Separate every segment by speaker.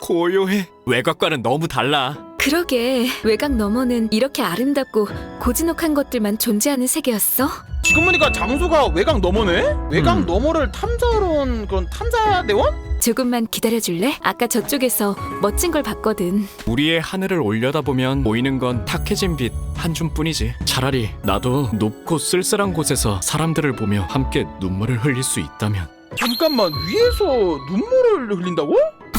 Speaker 1: 고요해. 외곽과는 너무 달라.
Speaker 2: 그러게, 외곽 너머는 이렇게 아름답고 고즈넉한 것들만 존재하는 세계였어?
Speaker 3: 지금 보니까 장소가 외곽 너머네? 외곽 너머를 탐사하러 온 그런 탐사대원?
Speaker 2: 조금만 기다려줄래? 아까 저쪽에서 멋진 걸 봤거든.
Speaker 1: 우리의 하늘을 올려다보면 보이는 건 탁해진 빛 한 줌뿐이지. 차라리 나도 높고 쓸쓸한 곳에서 사람들을 보며 함께 눈물을 흘릴 수 있다면.
Speaker 3: 잠깐만, 위에서 눈물을 흘린다고?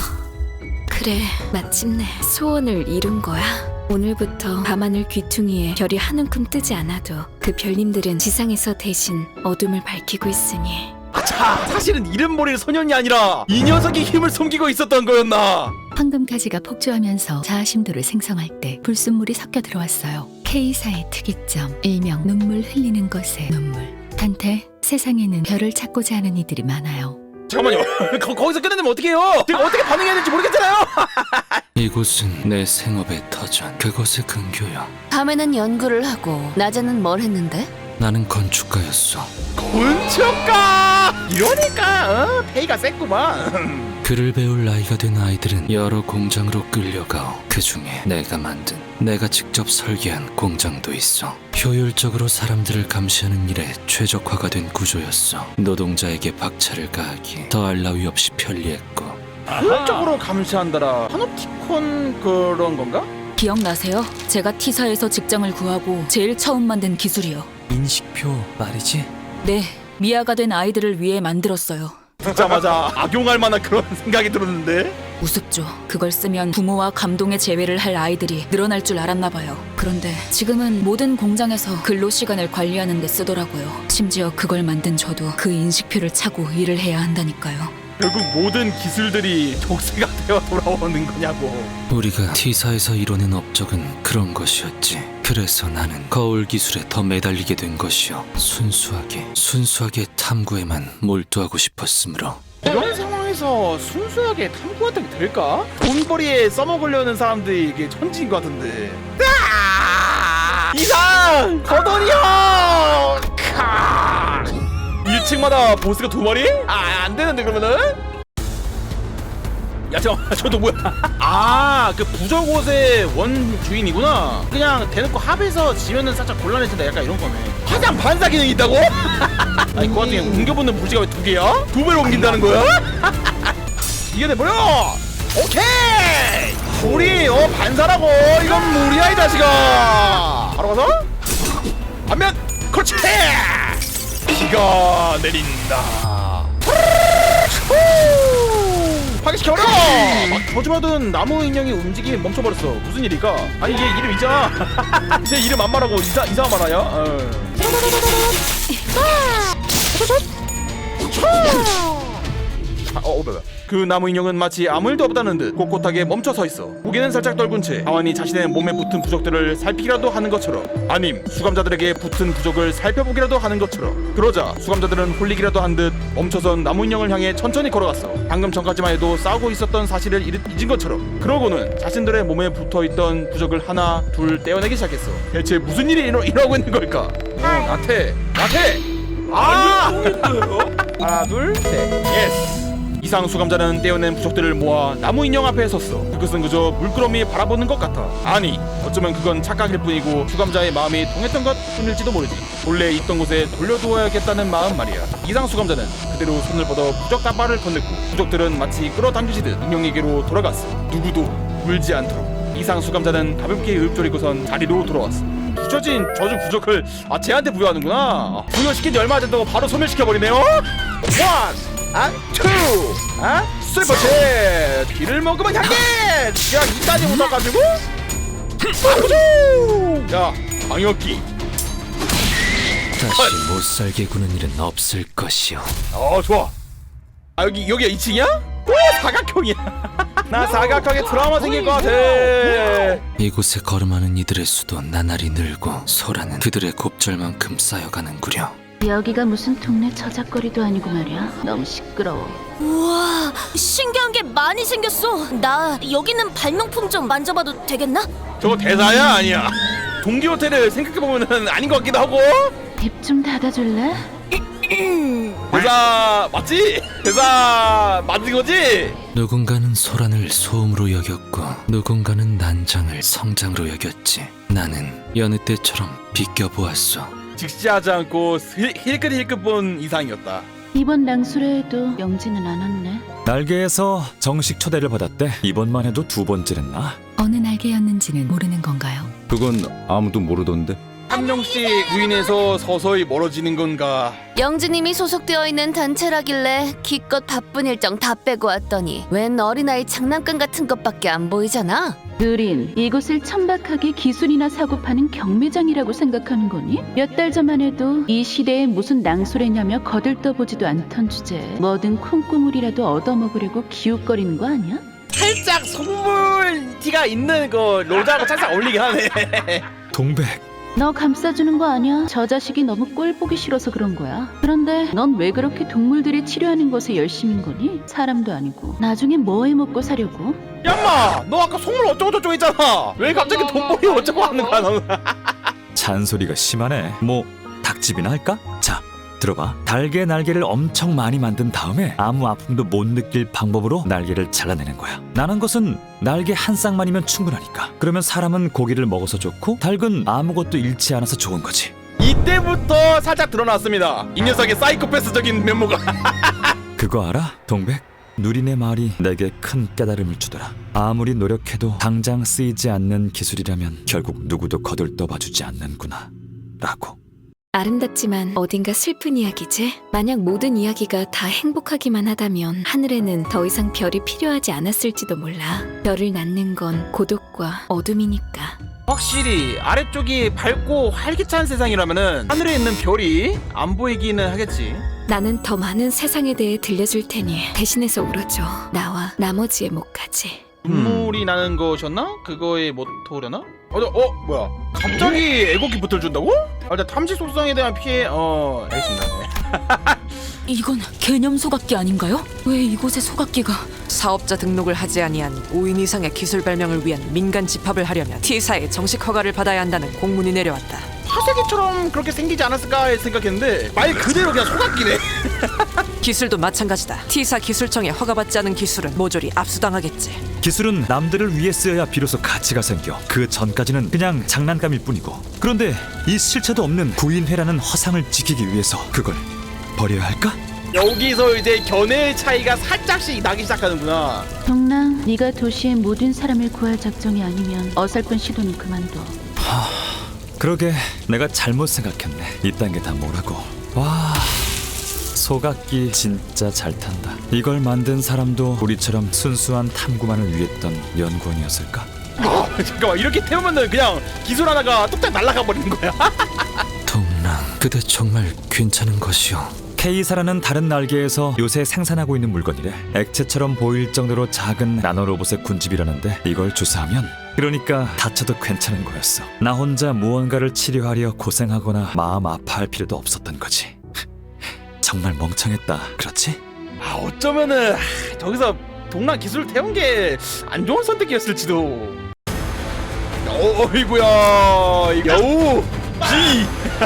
Speaker 2: 그래, 마침내 소원을 이룬 거야. 오늘부터 밤하늘 귀퉁이에 별이 한 움큼 뜨지 않아도 그 별님들은 지상에서 대신 어둠을 밝히고 있으니.
Speaker 3: 자, 사실은 이름 모를 소년이 아니라 이 녀석이 힘을 숨기고 있었던 거였나?
Speaker 4: 황금가지가 폭주하면서 자아심도를 생성할 때 불순물이 섞여 들어왔어요. K사의 특이점, 일명 눈물 흘리는 것의 눈물. 단테, 세상에는 별을 찾고자 하는 이들이 많아요.
Speaker 3: 잠깐만요. 거기서 끝내면 어떡해요? 제가 어떻게 반응해야 될지 모르겠잖아요.
Speaker 5: 이곳은 내 생업의 터전, 그곳의 근교야.
Speaker 6: 밤에는 연구를 하고 낮에는 뭘 했는데?
Speaker 5: 나는 건축가였어.
Speaker 3: 건축가! 이러니까 페이가 셌구만.
Speaker 5: 글을 배울 나이가 된 아이들은 여러 공장으로 끌려가오. 그 중에 내가 만든, 내가 직접 설계한 공장도 있어. 효율적으로 사람들을 감시하는 일에 최적화가 된 구조였어. 노동자에게 박차를 가하기 더할 나위 없이 편리했고.
Speaker 3: 효율적으로 감시한다라. 파놉티콘 그런 건가?
Speaker 7: 기억나세요? 제가 T사에서 직장을 구하고 제일 처음 만든 기술이요.
Speaker 5: 인식표 말이지?
Speaker 7: 네, 미아가 된 아이들을 위해 만들었어요.
Speaker 3: 듣자마자 악용할 만한 그런 생각이 들었는데.
Speaker 7: 우습죠. 그걸 쓰면 부모와 감동의 재회를 할 아이들이 늘어날 줄 알았나 봐요. 그런데 지금은 모든 공장에서 근로 시간을 관리하는 데 쓰더라고요. 심지어 그걸 만든 저도 그 인식표를 차고 일을 해야 한다니까요.
Speaker 3: 결국 모든 기술들이 족쇄가 되어 돌아오는 거냐고.
Speaker 5: 우리가 T사에서 이뤄낸 업적은 그런 것이었지. 그래서 나는 거울 기술에 더 매달리게 된 것이요. 순수하게 탐구에만 몰두하고 싶었으므로.
Speaker 3: 이런 상황에서 순수하게 탐구하는 게 될까? 돈벌이에 써먹으려는 사람들이 이게 천지인 것 같은데. 이상! 거돈이요! 1층마다 보스가 2마리? 안 되는데 그러면은? 야 잠깐만, 저도 뭐야? 그 부적 옷의 원주인이구나. 그냥 대놓고 합해서 지면은 살짝 곤란해진다, 약간 이런 거네. 화장 반사 기능이 있다고? 아니 그 와중에 옮겨붙는 불씨가 왜 2개야? 2배로 옮긴다는 거야? 이겨내버려! 오케이! 우리 반사라고! 이건 무리야 이 자식아! 바로 가서 반면! 그렇지! 비가 내린다. 파괴시켜버려! 저주받은 나무 인형이 움직임이 멈춰버렸어. 무슨 일일까? 아니 얘 이름 있잖아. 제 이름 안 말하고 이상한 말 하냐? 그 나무 인형은 마치 아무 일도 없다는 듯 꼿꼿하게 멈춰 서 있어. 고개는 살짝 떨군 채 가만히 자신의 몸에 붙은 부적들을 살피기라도 하는 것처럼, 아님 수감자들에게 붙은 부적을 살펴보기라도 하는 것처럼. 그러자 수감자들은 홀리기라도 한 듯 멈춰선 나무 인형을 향해 천천히 걸어갔어. 방금 전까지만 해도 싸우고 있었던 사실을 잊은 것처럼. 그러고는 자신들의 몸에 붙어있던 부적을 하나 둘 떼어내기 시작했어. 대체 무슨 일이 일어나고 있는 걸까? 나태! 하나 둘 셋. 예스! 이상 수감자는 떼어낸 부적들을 모아 나무 인형 앞에 섰어. 그것은 그저 물끄러미 바라보는 것 같아. 아니, 어쩌면 그건 착각일 뿐이고 수감자의 마음이 통했던 것 뿐일지도 모르지. 본래 있던 곳에 돌려두어야겠다는 마음 말이야. 이상 수감자는 그대로 손을 뻗어 부적 다발을 건넸고 부적들은 마치 끌어당기시듯 인형에게로 돌아갔어. 누구도 울지 않도록. 이상 수감자는 가볍게 읊조리고선 자리로 돌아왔어. 부셔진 저주 부적을 쟤한테 부여하는구나. 부여시킨 지 얼마 안 된다고 바로 소멸시켜버리네요. 투! 슬퍼체! 피를 먹으면 향기! 야, 이까지 묻어가지고? 야, 방역기.
Speaker 5: 다시 못살게 구는 일은 없을 것이요.
Speaker 3: 좋아. 여기가 2층이야? 오, 사각형이야. 나 사각형에 트라우마 생길 것 같아.
Speaker 5: 이곳에 걸음하는 이들의 수도 나날이 늘고 소라는 그들의 곱절만큼 쌓여가는구려.
Speaker 6: 여기가 무슨 동네 저작거리도 아니고 말이야. 너무 시끄러워.
Speaker 7: 우와, 신기한 게 많이 생겼어. 나 여기 있는 발명품 좀 만져봐도 되겠나?
Speaker 3: 저거 대사야? 아니야. 동기 호텔을 생각해보면은 아닌 것 같기도 하고.
Speaker 6: 입 좀 닫아줄래?
Speaker 3: 대사 맞지? 대사 맞은 거지?
Speaker 5: 누군가는 소란을 소음으로 여겼고 누군가는 난장을 성장으로 여겼지. 나는 여느 때처럼 비껴보았어.
Speaker 3: 직시하지 않고 힐끗힐끗 본 이상이었다.
Speaker 6: 이번 낭수레에도 영지는 안 왔네.
Speaker 8: 날개에서 정식 초대를 받았대. 이번만 해도 두 번째랬나?
Speaker 4: 어느 날개였는지는 모르는 건가요?
Speaker 9: 그건 아무도 모르던데.
Speaker 3: 한 명씩 구인해서 서서히 멀어지는 건가?
Speaker 10: 영지님이 소속되어 있는 단체라길래 기껏 바쁜 일정 다 빼고 왔더니 웬 어린아이 장난감 같은 것밖에 안 보이잖아.
Speaker 6: 느린, 이곳을 천박하게 기술이나 사고 파는 경매장이라고 생각하는 거니? 몇 달 전만 해도 이 시대에 무슨 낭수래냐며 거들떠보지도 않던 주제에 뭐든 콩고물이라도 얻어먹으려고 기웃거리는 거 아니야?
Speaker 3: 살짝 속물 티가 있는 그 로자하고 살짝 어울리긴 하네.
Speaker 8: 동백.
Speaker 6: 너 감싸주는 거 아니야? 저 자식이 너무 꼴 보기 싫어서 그런 거야. 그런데 넌 왜 그렇게 동물들이 치료하는 것에 열심인 거니? 사람도 아니고 나중에 뭐 해먹고 사려고?
Speaker 3: 야마, 너 아까 속물 어쩌고저쩌고 했잖아. 왜 갑자기 돈벌이 어쩌고 하는 거야 너는?
Speaker 8: 잔소리가 심하네. 뭐 닭집이나 할까? 자, 들어봐. 달개 날개를 엄청 많이 만든 다음에 아무 아픔도 못 느낄 방법으로 날개를 잘라내는 거야. 나는 것은 날개 한 쌍만이면 충분하니까. 그러면 사람은 고기를 먹어서 좋고 닭은 아무것도 잃지 않아서 좋은 거지.
Speaker 3: 이때부터 살짝 드러났습니다. 이 녀석의 사이코패스적인 면모가.
Speaker 8: 그거 알아? 동백? 누린의 말이 내게 큰 깨달음을 주더라. 아무리 노력해도 당장 쓰이지 않는 기술이라면 결국 누구도 거들떠봐주지 않는구나 라고.
Speaker 2: 아름답지만 어딘가 슬픈 이야기지? 만약 모든 이야기가 다 행복하기만 하다면 하늘에는 더 이상 별이 필요하지 않았을지도 몰라. 별을 낳는 건 고독과 어둠이니까.
Speaker 3: 확실히 아래쪽이 밝고 활기찬 세상이라면은 하늘에 있는 별이 안 보이기는 하겠지.
Speaker 2: 나는 더 많은 세상에 대해 들려줄 테니 대신해서 울어줘. 나와 나머지의 목까지.
Speaker 3: 눈물이 나는 것이었나? 그거의 모토려나? 뭐야? 갑자기 애고기 붙을 준다고? 일단 탐지 속성에 대한 피해 알겠습니다.
Speaker 7: 이건 개념 소각기 아닌가요? 왜 이곳에 소각기가?
Speaker 11: 사업자 등록을 하지 아니한 5인 이상의 기술 발명을 위한 민간 집합을 하려면 T사의 정식 허가를 받아야 한다는 공문이 내려왔다.
Speaker 3: 화세기처럼 그렇게 생기지 않았을까 생각했는데 말 그대로 그냥 소각기네.
Speaker 11: 기술도 마찬가지다. T사 기술청에 허가받지 않은 기술은 모조리 압수당하겠지.
Speaker 8: 기술은 남들을 위해 쓰여야 비로소 가치가 생겨. 그 전까지는 그냥 장난감일 뿐이고. 그런데 이 실체도 없는 구인회라는 허상을 지키기 위해서 그걸 버려야 할까?
Speaker 3: 여기서 이제 견해의 차이가 살짝씩 나기 시작하는구나.
Speaker 6: 동랑, 네가 도시의 모든 사람을 구할 작정이 아니면 어설픈 시도는 그만둬.
Speaker 8: 그러게 내가 잘못 생각했네. 이딴 게 다 뭐라고. 와, 소각기 진짜 잘 탄다. 이걸 만든 사람도 우리처럼 순수한 탐구만을 위했던 연구원이었을까?
Speaker 3: 잠깐만, 이렇게 태우면은 그냥 기술 하나가 뚝딱 날아가 버리는 거야.
Speaker 5: 동랑, 그대 정말 괜찮은 것이오.
Speaker 8: K사라는 다른 날개에서 요새 생산하고 있는 물건이래. 액체처럼 보일 정도로 작은 나노로봇의 군집이라는데 이걸 주사하면, 그러니까 다쳐도 괜찮은 거였어. 나 혼자 무언가를 치료하려 고생하거나 마음 아파할 필요도 없었던 거지. 정말 멍청했다, 그렇지?
Speaker 3: 어쩌면은 저기서 동랑 기술을 태운 게 안 좋은 선택이었을지도. 어이구야, 여우 지.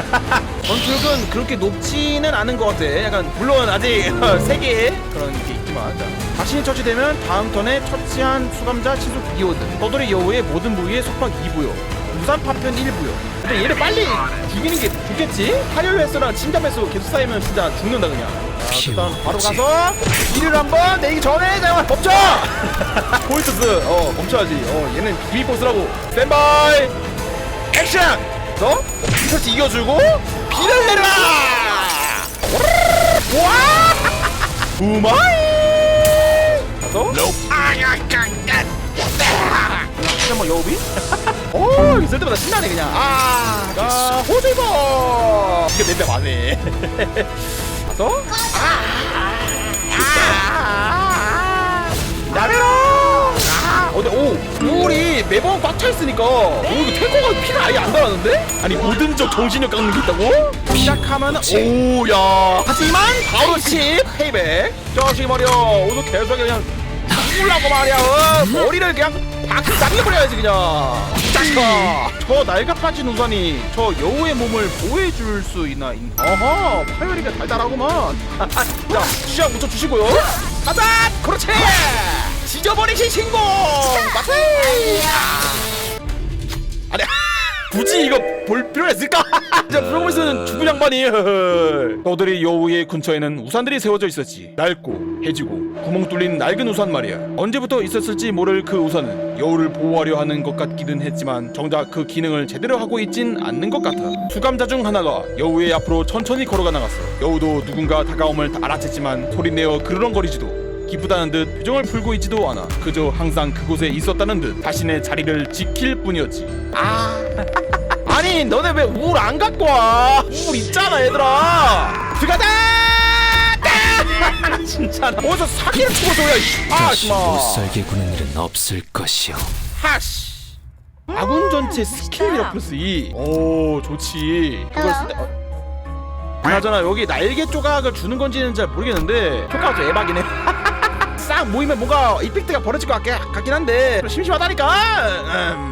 Speaker 3: 전투력은 그렇게 높지는 않은 것 같아. 약간 물론 아직 3개의 그런 게 있지만. 자, 자신이 처치되면 다음 턴에 처치한 수감자 치수 2호든 떠돌이 여우의 모든 부위에 속박 2부요, 무산 파편 1부요. 근데 얘를 빨리 죽이는 게 좋겠지? 파열 횟수랑 침잠 횟수 계속 쌓이면 진짜 죽는다 그냥. 자, 일단 바로 가서 일을 한번 내기 전에 잠깐만 멈춰! 포인트스 멈춰야지. 얘는 비밀 보스라고. 스탠바이 액션! 너 터치 이겨주고 피를 내라! 와! 우마이! 가서 잠깐만 여우비? 오, 있을 때마다 신나네 그냥. 자, 호들거! 이게 냄새 많네. 가서 나베로! 우울이 매번 꽉 차 있으니까 이거 탱커가 피가 아예 안 달았는데? 아니 모든적 정신력 깎는 게 있다고? 시작하면 오야. 하지만 바로 10 페이백. 저식 말이야. 오늘 계속 그냥 죽으려고 말이야. 머리를 그냥 팍 날려버려야지 그냥. 자식아! 저 낡아빠진 우산이 저 여우의 몸을 보호해줄 수 있나? 어허, 파열이가 달달하구만. 자, 시작 묻혀주시고요. 가자! 그렇지! 지져버리신 신공! 맞지? 아니, 굳이 이거 볼 필요가 있을까? 자, 프로그레스는 죽은 양반이. 떠들이 여우의 근처에는 우산들이 세워져 있었지. 낡고 해지고 구멍 뚫린 낡은 우산 말이야. 언제부터 있었을지 모를 그 우산은 여우를 보호하려 하는 것 같기는 했지만 정작 그 기능을 제대로 하고 있진 않는 것 같아. 수감자 중 하나가 여우의 앞으로 천천히 걸어가 나갔어. 여우도 누군가 다가옴을 알아챘지만 소리내어 그르렁거리지도 기쁘다는 듯 표정을 풀고 있지도 않아. 그저 항상 그곳에 있었다는 듯 자신의 자리를 지킬 뿐이었지. 아니 너네 왜 우물 안 갖고 와? 우물 있잖아 얘들아. 들어가자. 진짜 나 어디서 사기를 치고 줘야.
Speaker 5: 다시
Speaker 3: 아씨마.
Speaker 5: 못살게 구는 일은 없을 것이오.
Speaker 3: 하씨. 아군 전체 스킬 위력 플러스 2. 오 좋지. 그걸 쓸 때. 그나저나 여기 날개 조각을 주는 건지는 잘 모르겠는데 효과가 좀 에바긴 해. 싹 모이면 뭔가 이펙트가 벌어질 것 같긴 한데 심심하다니까.